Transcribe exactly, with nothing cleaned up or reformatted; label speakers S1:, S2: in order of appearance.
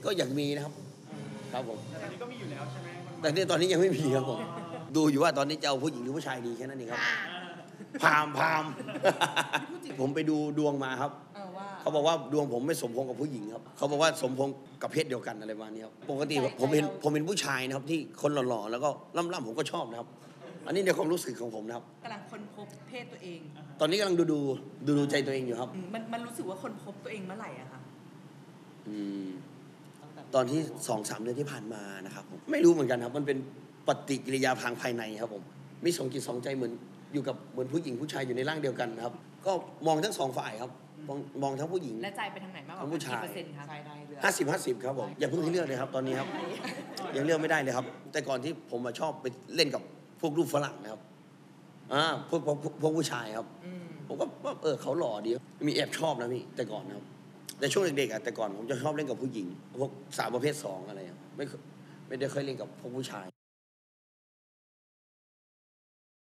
S1: ก็อยากมีนะครับครับผม
S2: แต่ตอนนี้ก็มีอยู่แล้วใช่ไหม
S1: แต่เนี่ยตอนนี้ยังไม่มีครับผมดูอยู่ว่าตอนนี้จะเอาผู้หญิงหรือผู้ชายดีแค่นั้นเองครับพามพามผมไปดูดวงมาครับเขาบอกว่าดวงผมไม่สมพงษ์กับผู้หญิงครับเขาบอกว่าสมพงษ์กับเพศเดียวกันอะไรประมาณนี้ครับปกติผมเป็นผมเป็นผู้ชายนะครับที่คนหล่อๆแล้วก็ล่ำๆผมก็ชอบนะครับอันนี้ในความรู้สึกของผมนะครับ
S3: กำลังค้นพบเพศตัวเอง
S1: ตอนนี้กำลังดูดูดูดูใจตัวเองอยู่ครับ
S3: มันมันรู้สึกว่าค้นพบตัวเองเมื่อไหร่อะคะ
S1: อืมตอนที่สองสามเดือนที่ผ่านมานะครับผมไม่รู้เหมือนกันครับมันเป็นปฏิกิริยาทางภายในครับผมมีสองจิตสองใจเหมือนอยู่กับเหมือนผู้หญิงผู้ชายอยู่ในร่างเดียวกันครับก็มองทั้งสองฝ่ายครับมองมองทั้งผู้หญิง
S3: และใจไปทางไหนมากกว่า
S1: ผู้ชาย
S3: ห้า
S1: สิบห้าสิบครับผมอย่าเพิ่งให้เลือกเลยครับตอนนี้ครับยังเลือกไม่ได้เลยครับแต่ก่อนที่ผมมาชอบไปเล่นกับพวกรูปฝรั่งนะครับอ่าพวกพวกพวกผู้ชายครับผมก็เออเขาหล่อดีมีแอบชอบนะพี่แต่ก่อนนะครับแต่ช่วงเด็กๆอ่ะแต่ก่อนผมจะชอบเล่นกับผู้หญิงพวกสาวประเภทสองอะไรไม่ไม่ได้เคยเล่นกับพวกผู้ชาย